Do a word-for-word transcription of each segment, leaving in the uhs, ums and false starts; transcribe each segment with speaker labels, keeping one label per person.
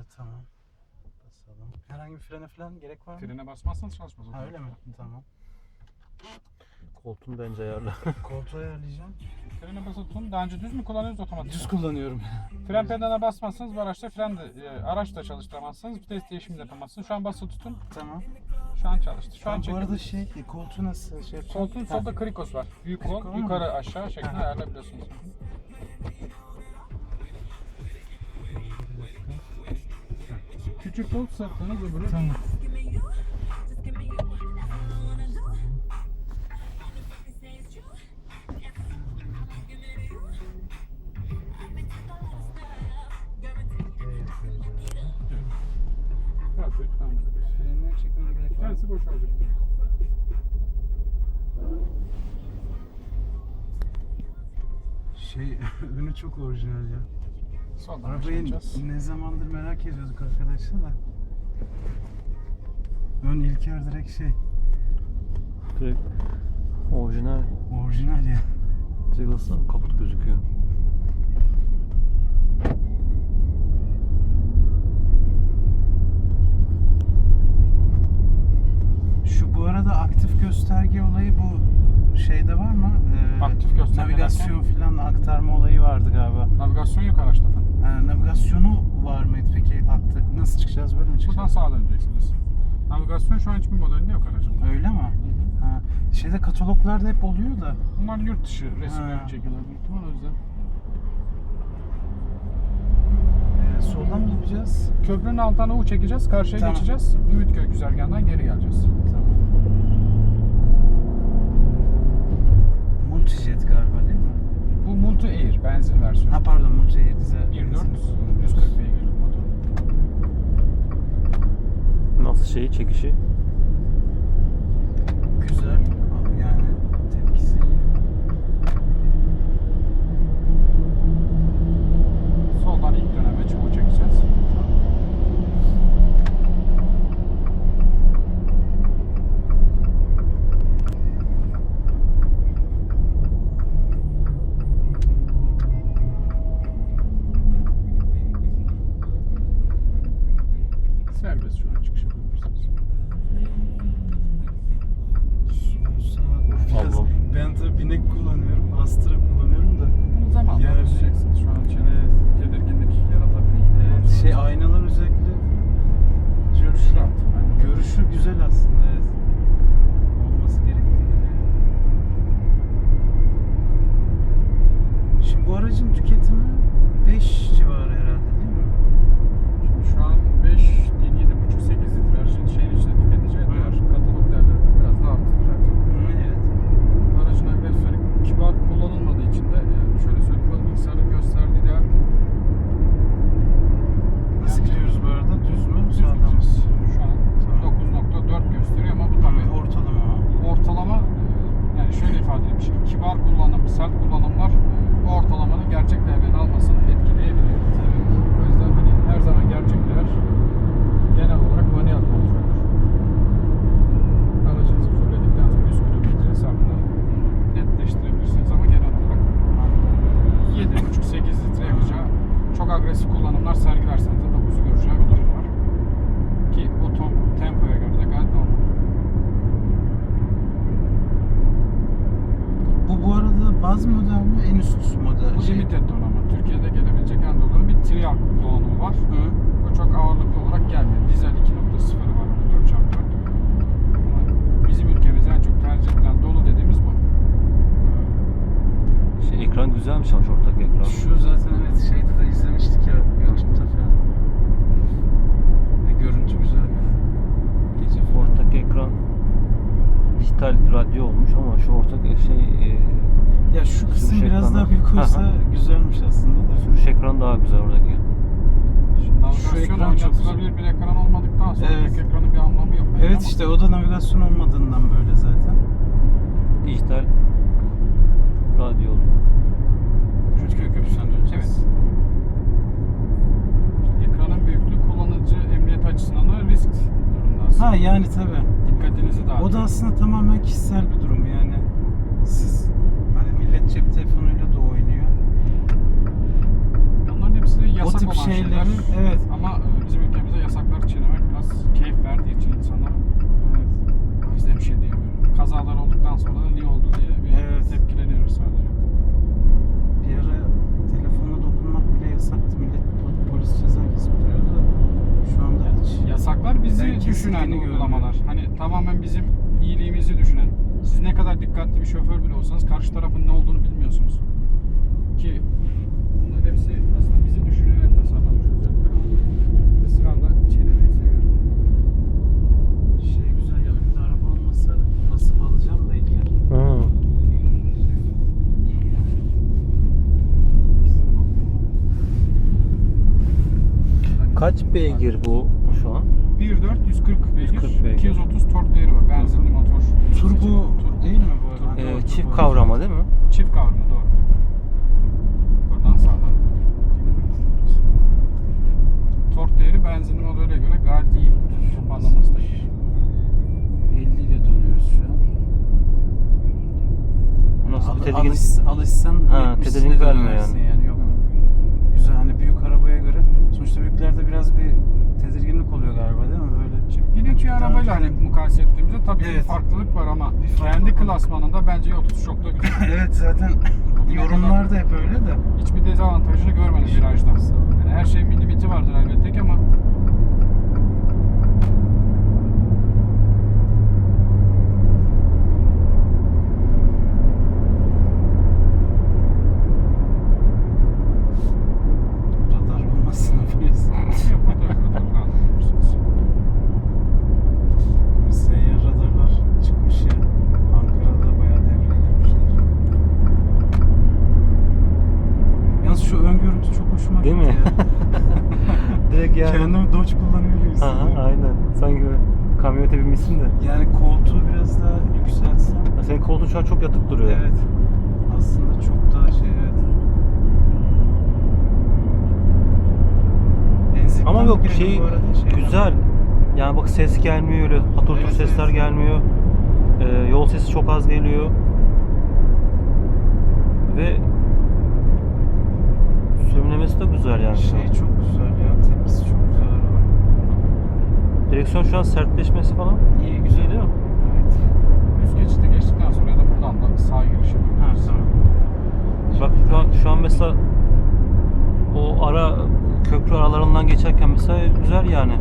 Speaker 1: Evet, tamam. Basalım. Herhangi bir frene falan gerek var mı?
Speaker 2: Frene basmazsanız çalışmaz.
Speaker 1: Ha, öyle mi? Tamam.
Speaker 3: Koltuğunu bence ayarla.
Speaker 1: Koltuğu ayarlayacağım.
Speaker 2: Frene basılı tutun. Daha önce düz mü kullanıyorsunuz, otomatik?
Speaker 1: Düz kullanıyorum.
Speaker 2: Fren pedalına basmazsanız bu araçta fren de, e, araç da çalıştıramazsınız. Vites değişimi de yapamazsınız. Şu an basılı tutun.
Speaker 1: Tamam.
Speaker 2: Şu an çalıştı. Şu
Speaker 1: Ha,
Speaker 2: an
Speaker 1: bu
Speaker 2: çekin.
Speaker 1: arada şey, e, koltuğu nasıl şey yapacağım?
Speaker 2: Koltuğun
Speaker 1: Ha.
Speaker 2: solda krikos var. Büyük kol,
Speaker 1: Kriko mu?
Speaker 2: yukarı aşağı şeklinde
Speaker 1: Ha.
Speaker 2: ayarlayabiliyorsunuz. Küçük kol sırtınız öbürü.
Speaker 1: Tamam.
Speaker 2: Perfect. Tamam.
Speaker 1: Frenleri çekmene gerek var mı?
Speaker 2: Tersi boşalacak.
Speaker 1: Şey, önü çok orijinal ya.
Speaker 2: Soldan
Speaker 1: Arabayı
Speaker 2: başlayacağız.
Speaker 1: ne zamandır merak ediyorduk arkadaşlar da. Ön İlker direkt şey,
Speaker 3: Direkt orijinal.
Speaker 1: orijinal ya.
Speaker 3: Direkt aslında kaput gözüküyor.
Speaker 1: Şu bu arada aktif gösterge olayı bu şeyde var mı? Ee,
Speaker 2: Aktif gösterge
Speaker 1: navigasyon falan aktarma olayı vardı galiba.
Speaker 2: Navigasyon yok araçta.
Speaker 1: Ha, navigasyonu var mıydı peki? Aktif, nasıl çıkacağız, böyle mi
Speaker 2: Buradan
Speaker 1: çıkacağız?
Speaker 2: sağa döneceksiniz. Navigasyon şu an hiçbir modelinde yok aracın.
Speaker 1: Öyle mi? Ha, şeyde kataloglarda hep oluyor da.
Speaker 2: Bunlar yurt dışı resimleri
Speaker 1: Ha.
Speaker 2: çekiyorlar büyük ihtimal, o yüzden.
Speaker 1: Ee, soldan mı yapacağız?
Speaker 2: Köprünün altına U çekeceğiz, karşıya
Speaker 1: Tamam.
Speaker 2: geçeceğiz. Ümitköy güzergahından geri geleceğiz.
Speaker 1: Tamam. Multijet galiba değil mi?
Speaker 2: Bu Multi Air benzin versiyonu.
Speaker 1: Ha pardon, Multijet dizel.
Speaker 2: bir nokta dört yüz kırk beygirlik motor.
Speaker 3: Nasıl şeyi çekişi?
Speaker 1: Güzel. Yani tepkisi iyi.
Speaker 2: Soldan ilk döneme çubuğu çekeceğiz. Serbest şu an çıkış yapabilirsiniz.
Speaker 1: Biraz,
Speaker 3: Allah'ım.
Speaker 1: ben tabii binek kullanıyorum, Astra kullanıyorum da.
Speaker 2: Bunu zamanla
Speaker 1: Yani-
Speaker 2: alışacaksınız. Şu an içine tedirginlik yaratabilir.
Speaker 1: Evet, şey aynalar özellikle
Speaker 2: Görüş rahat. Aynen.
Speaker 1: görüşü güzel aslında, evet. Olması gerektiği gibi. Şimdi bu aracın tüketimi beş civarı herhalde değil mi?
Speaker 2: Şimdi şu an beş, yedi buçuk sekiz litre aracın şeyin içinde tüketeceği
Speaker 1: Hı.
Speaker 2: diğer katalog değerlerinden biraz daha artıdır her zaman.
Speaker 1: Hı, evet.
Speaker 2: Aracın agresifleri kibar kullanılmadığı için de yani şöyle söyleyeyim, bu bilgisayarın gösterdiği değer
Speaker 1: Nasıl gidiyoruz bu arada? Düz mü?
Speaker 2: düz
Speaker 1: Sağdan mı?
Speaker 2: gideceğiz. Şu an
Speaker 1: Tamam.
Speaker 2: dokuz nokta dört gösteriyor ama bu tabii
Speaker 1: Ortalama o.
Speaker 2: ortalama, e, yani şöyle ifade edeyim, şimdi kibar kullanım, sert kullanımlar e, bu ortalamanın gerçek değerini almasını etkileyebiliyor.
Speaker 1: Tabii.
Speaker 2: O yüzden hani her zaman gerçek değer genel olarak manuel kontroldür. Aracınızı fulledikten sonra yüz kilometre hesabını netleştirebilirsiniz ama genel olarak yedi buçuk sekiz litre yakacağı, çok agresif kullanımlar sergilerseniz de dokuzu göreceği bir durum var. Ki o tom, tempoya göre de gayet normal.
Speaker 1: Bu bu arada baz model mi? En üst model.
Speaker 2: Bu
Speaker 1: şey.
Speaker 2: limited donanımı. Türkiye'de gelebilecek en donanım bir trial donanımı var.
Speaker 1: Hı.
Speaker 2: O çok ağırlıklı olarak gelmiyor. Dizel iki nokta sıfırı var, dört çarpı dört. Ama bizim ülkemizde en çok tercih edilen dolu dediğimiz bu.
Speaker 3: Şey, ekran güzelmiş ama şu ortak ekran.
Speaker 1: Şu zaten evet, şeyde de izlemiştik ya, YouTube'da falan. Ve görüntü güzel ya. Gece falan.
Speaker 3: Ortak ekran dijital radyo olmuş ama şu ortak şey e,
Speaker 1: Ya şu kısım
Speaker 3: sürüş
Speaker 1: biraz
Speaker 3: ekranı.
Speaker 1: daha büyük olsa
Speaker 3: Aha.
Speaker 1: güzelmiş aslında da.
Speaker 3: sürüş ekran daha güzel oradaki.
Speaker 2: Şimdi navigasyon
Speaker 1: ekran çok
Speaker 2: oynatılabilir bir ekran olmadıktan sonra
Speaker 1: Evet.
Speaker 2: büyük ekranın bir anlamı yok. bence
Speaker 1: Evet,
Speaker 2: ama
Speaker 1: işte o da navigasyon olmadığından böyle zaten.
Speaker 3: Dijital radyo oluyor.
Speaker 1: Rütköy Köprüsü'nden döneceğiz.
Speaker 2: Evet. Ekranın büyüklüğü kullanıcı emniyet açısından da risk durumda aslında.
Speaker 1: Ha yani tabii.
Speaker 2: Dikkatinizi dağıtıyor.
Speaker 1: O da aslında tamamen kişisel bir durum yani. Siz hani millet cep telefonuyla da oynuyor.
Speaker 2: Onların hepsi yasal yasak
Speaker 4: tip
Speaker 2: olan
Speaker 4: şeylerin,
Speaker 2: şeyler.
Speaker 4: evet.
Speaker 2: Ama e, bizim ülkemizde yasakları çiğnemek biraz keyif verdiği için insanlara. O yüzden bir şey diyemiyorum. Kazalar olduktan sonra da niye oldu diye bir
Speaker 4: Evet.
Speaker 2: tepkileniyoruz sadece.
Speaker 4: Bir ara telefona dokunmak bile yasaktı. Millet polis ceza kesip duruyordu da şu anda hiç.
Speaker 2: Yasaklar bizi
Speaker 4: Ben kesinlikle
Speaker 2: düşünen
Speaker 4: görmüyorum.
Speaker 2: uygulamalar. Hani tamamen bizim iyiliğimizi düşünen. Siz ne kadar dikkatli bir şoför bile olsanız karşı tarafın ne olduğunu bilmiyorsunuz. Ki bunların hepsi aslında bizi düşünerek tasarlanmış özellikler ama ısrarla çiğnemeyi seviyorum.
Speaker 4: Şey güzel ya, önümde araba olmasa basıp alacağım da İlker.
Speaker 3: Hı.
Speaker 4: İyi ya.
Speaker 3: Kaç beygir bu şu an?
Speaker 2: bir nokta dört yüz kırk beygir,
Speaker 3: yüz kırk beygir.
Speaker 2: iki yüz otuz tork değeri var. Benzinli motor.
Speaker 4: Turbo
Speaker 2: Turbo.
Speaker 4: değil mi bu arada?
Speaker 3: Ee,
Speaker 4: Doğru,
Speaker 3: çift
Speaker 4: turbo.
Speaker 3: kavrama değil mi?
Speaker 2: Çift kavrama doğru. Buradan sağdan. Tork değeri benzinli modele göre gayet iyi. Toparlaması da iyi.
Speaker 4: elli ile dönüyoruz şu an.
Speaker 3: Nasıl bir
Speaker 4: Al-
Speaker 3: tedirgin?
Speaker 4: alış, alışsan
Speaker 3: Ha,
Speaker 4: yetmişine
Speaker 3: tedirgin vermiyor
Speaker 4: dönersin
Speaker 3: yani.
Speaker 4: yani. Yok. Güzel, hani büyük arabaya göre. Sonuçta büyüklerde biraz bir tedirginlik oluyor galiba değil mi? Böyle.
Speaker 2: Bir iki
Speaker 4: Daha
Speaker 2: arabayla
Speaker 4: önce-
Speaker 2: hani mukayese ettiğimizde tabii
Speaker 4: Evet.
Speaker 2: bir farklılık var ama
Speaker 4: Bir farklılık
Speaker 2: kendi
Speaker 4: var.
Speaker 2: klasmanında bence yoktu. Çok da güzel.
Speaker 4: Evet, zaten
Speaker 2: Bugüne
Speaker 4: yorumlar da hep öyle de.
Speaker 2: Hiçbir dezavantajını görmedim virajdan. Yani her şeyin bir limiti vardır elbette ki ama
Speaker 4: Radar olmasın polis. Seyyar radarlar çıkmış ya. Ankara'da bayağı devreye girmişler. Yalnız şu ön görüntü çok hoşuma
Speaker 3: Değil
Speaker 4: gitti
Speaker 3: mi?
Speaker 4: ya.
Speaker 3: Direkt yani.
Speaker 4: Kendimi Dodge kullanıyor gibi
Speaker 3: Aha,
Speaker 4: hissediyorum.
Speaker 3: aynen. Sanki böyle kamyonete binmişsin de.
Speaker 4: Yani koltuğu biraz daha yükseltsem.
Speaker 3: Ya senin koltuğun şu an çok yatık duruyor.
Speaker 4: Evet. Aslında çok daha şey, evet. Benzin
Speaker 3: Ama
Speaker 4: tam
Speaker 3: yok
Speaker 4: girelim
Speaker 3: şey
Speaker 4: bu arada, şeyden.
Speaker 3: güzel. Yani bak ses gelmiyor öyle. Hatır
Speaker 4: Evet,
Speaker 3: tur sesler
Speaker 4: evet.
Speaker 3: gelmiyor. Ee, yol sesi çok az geliyor. Ve sürümlemesi de güzel yani. şu an.
Speaker 4: Şey çok güzel ya. Tepkisi çok güzel araba.
Speaker 3: Direksiyon şu an sertleşmesi falan
Speaker 4: İyi, güzel.
Speaker 3: iyi değil mi?
Speaker 4: Evet.
Speaker 2: üst geçidi geçtikten sonra ya da buradan da sağ giriş
Speaker 4: Ha,
Speaker 2: yapıyoruz.
Speaker 4: tamam.
Speaker 3: Bak şu an, şu an mesela o ara köprü aralarından geçerken mesela güzel yani.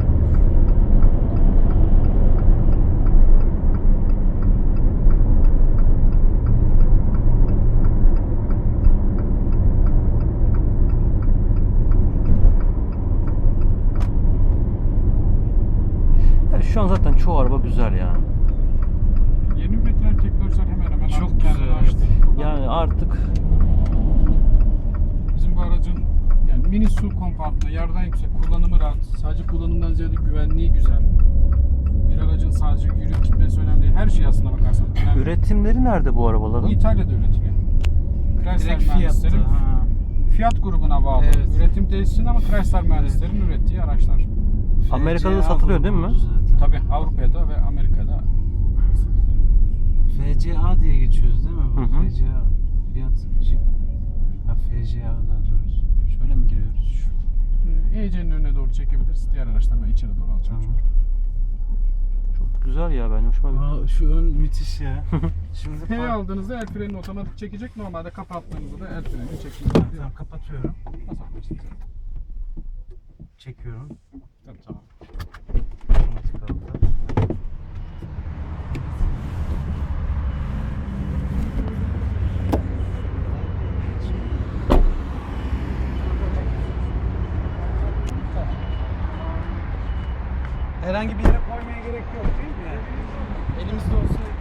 Speaker 3: Ya şu an zaten çoğu araba güzel yani.
Speaker 2: Yeni üretilen teknolojiler hemen hemen
Speaker 4: Çok
Speaker 2: artık kendini
Speaker 4: güzel,
Speaker 2: açtı. Buradan
Speaker 3: Yani artık
Speaker 2: bizim bu aracın yani mini S U V kompaktlı, yerden yüksek, kullanımı rahat. Sadece kullanımdan ziyade güvenliği güzel. Bir aracın sadece yürüyüp gitmesi önemli değil. Her şey aslına bakarsan önemli.
Speaker 3: üretimleri nerede bu arabaların?
Speaker 2: Bu İtalya'da üretiliyor. Chrysler
Speaker 4: Direkt fiyatta.
Speaker 2: mühendislerin
Speaker 4: Ha.
Speaker 2: Fiat grubuna bağlı.
Speaker 4: Evet.
Speaker 2: Üretim tesisinde ama Chrysler mühendislerin ürettiği araçlar.
Speaker 3: Amerika'da da
Speaker 4: F C A
Speaker 3: satılıyor değil mi?
Speaker 4: grubu zaten.
Speaker 2: Tabii Avrupa'da ve Amerika'da.
Speaker 4: F C A diye geçiyoruz değil mi? Bu
Speaker 3: Hı hı.
Speaker 4: F C A Fiat Jeep. Ha, F C A daha doğrusu. Şöyle mi giriyoruz?
Speaker 2: E C N'in önüne doğru çekebiliriz. Diğer araçları da içeri doğru alacağım.
Speaker 4: Tamam.
Speaker 3: Çok güzel ya, ben hoşuma gitti.
Speaker 4: Aa, şu ön müthiş ya. Şimdi
Speaker 2: P
Speaker 4: park-
Speaker 2: aldığınızda el frenini otomatik çekecek. Normalde kapattığınızda da el frenini çekecek.
Speaker 4: Tamam, kapatıyorum.
Speaker 2: Basabilirsiniz.
Speaker 4: Çekiyorum.
Speaker 2: Tabii tamam.
Speaker 4: Otomatik aldı. Herhangi bir yere koymaya gerek yok değil mi yani? Elimizde olsa